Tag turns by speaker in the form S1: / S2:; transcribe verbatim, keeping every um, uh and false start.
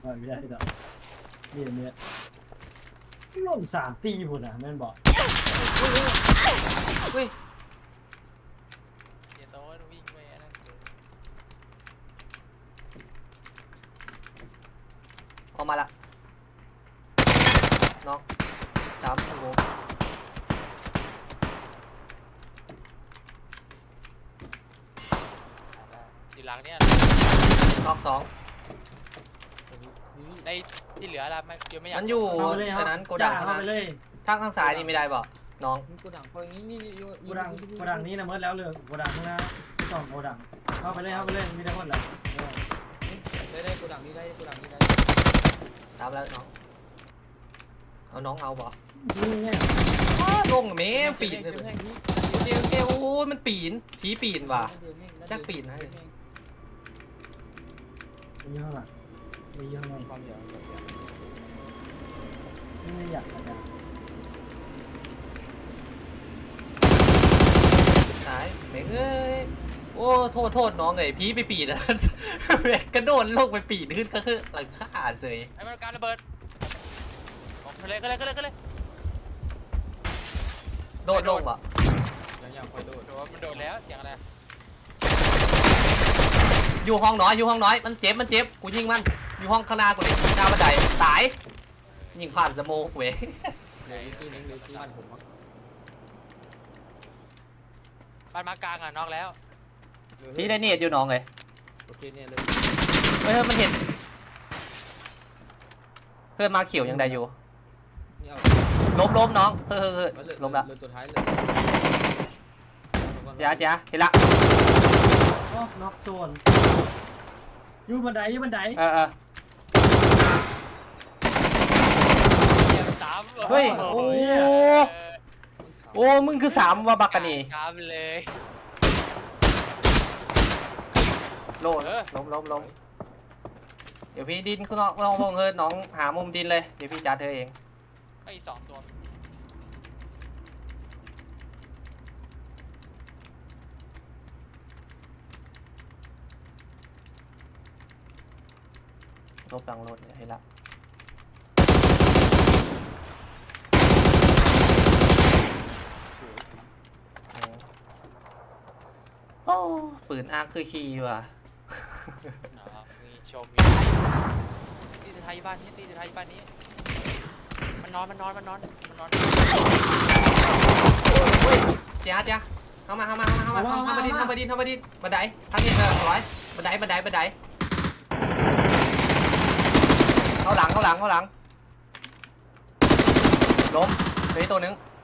S1: ไม่ได้ดอกนี่เนี่ยลงสามตีพุ่นอ่ะแม่นบอก
S2: เฮ้ย
S3: อย่าโต้วิ่งไปนั่นเลย
S2: ออกมาละน้องสามโอ้
S3: อยู่หลังเนี่ย
S2: รอบสอง
S3: ในที่เหลือละไม่เดี๋ยวไม่อยาก
S2: มันอยู่อันนั้นโกดัง
S1: เข้า
S2: นะ
S1: ไปเลย
S2: ทางทางซ้ายนี่ไม่ได้บ่น้อง
S4: กูดังพออย่างนี้นี่
S1: โกดังโกดังนี้นะเมื่อแล้วเลยโกดังข้างหน้าสองโกดังเข้าไปเลยเข้าไปเลยมีได้หมดแล้ว
S4: ได้ได้กูดังนี้ได้กูดังนี้ได้
S2: ตามแล้วน้องเอาน้องเอาบ่
S1: นี่ไง
S2: ลงแม่ปีนเลยเดี๋ยวเดี๋ยวโอ้ยมันปีนผีปีนว่ะจักปีนนะ
S1: มีข้างหลังมีข้างใน
S4: ความเดียว
S1: ไม่อยากอะไร
S2: หายแม่งเอ้ยโอ้โทษโทษน้องเลยผีไปปีนนะแม่งกระโดดลงไปปีนขึ้นก็คือหลังคาเลย
S3: ไอ้มันการระเบิดก็เลยก็เลยก็เลยก็เลย
S2: โดดลงอ่ะ
S4: ยังอยากคอยโดด
S3: โดนมันโดนแล้วเสียงอะไร
S2: อยู่ห้องน้อยอยู่ห้องน้อยมันเจ็บมันเจ็บกูยิงมันอยู่ห้องข้างหน้ากูเลยหน้าบันไดตายยิงผ่านสโมกเว้ย
S4: เหลือที่นึงเหลือที่บ้านผมมั้ง
S3: บ้านมากลางอ่ะนอกแล้ว
S2: พี่ได้เนียดอยู่น้องเลย
S4: โอเคเนี่ยเลย
S2: เฮ้ยมันเห็นเพื่อนมาเขียวยังได้อยู่
S4: นี่เอา
S2: ล้มล้มน้องเฮ้ยเฮ้ยเฮ้ยล้มละ
S4: เลยตัวท้ายเลย
S2: จ้าจ้าเห็นละ
S1: อ๋อน็อกโซนอยู่บันไดอยู่บันได
S2: เออเออ
S3: เสียงสาม
S2: เฮ้ยโอ้โอ้มึงคือสามว่าบักกันนี่
S3: สามเลย
S2: โลดล้มล้มล้มเดี๋ยวพี่ดินคุณน้องน้องพงเฮ้ยน้องหามุมดินเลยเดี๋ยวพี่จัดเธอเอง
S3: ไอ้สองตัว
S2: ลบดังรถเห็นละโอ้ปืนอาร์คคือคีย์ว่ะ
S3: มีชมมีตีไทยบ้านนี้ตีไทยบ้านนี้มันนอนมันนอนมันนอนมันนอน
S2: เจ้าจ้าเข้ามาเข้ามาเข้ามาเข้ามาเข้ามาดินเข้ามาดินเข้ามาดินบันไดทางนี้เออร้อยบันไดบันไดบันไดเข้าหลังเข้าหลังเข้าหลังล้มเหลือตัวนึง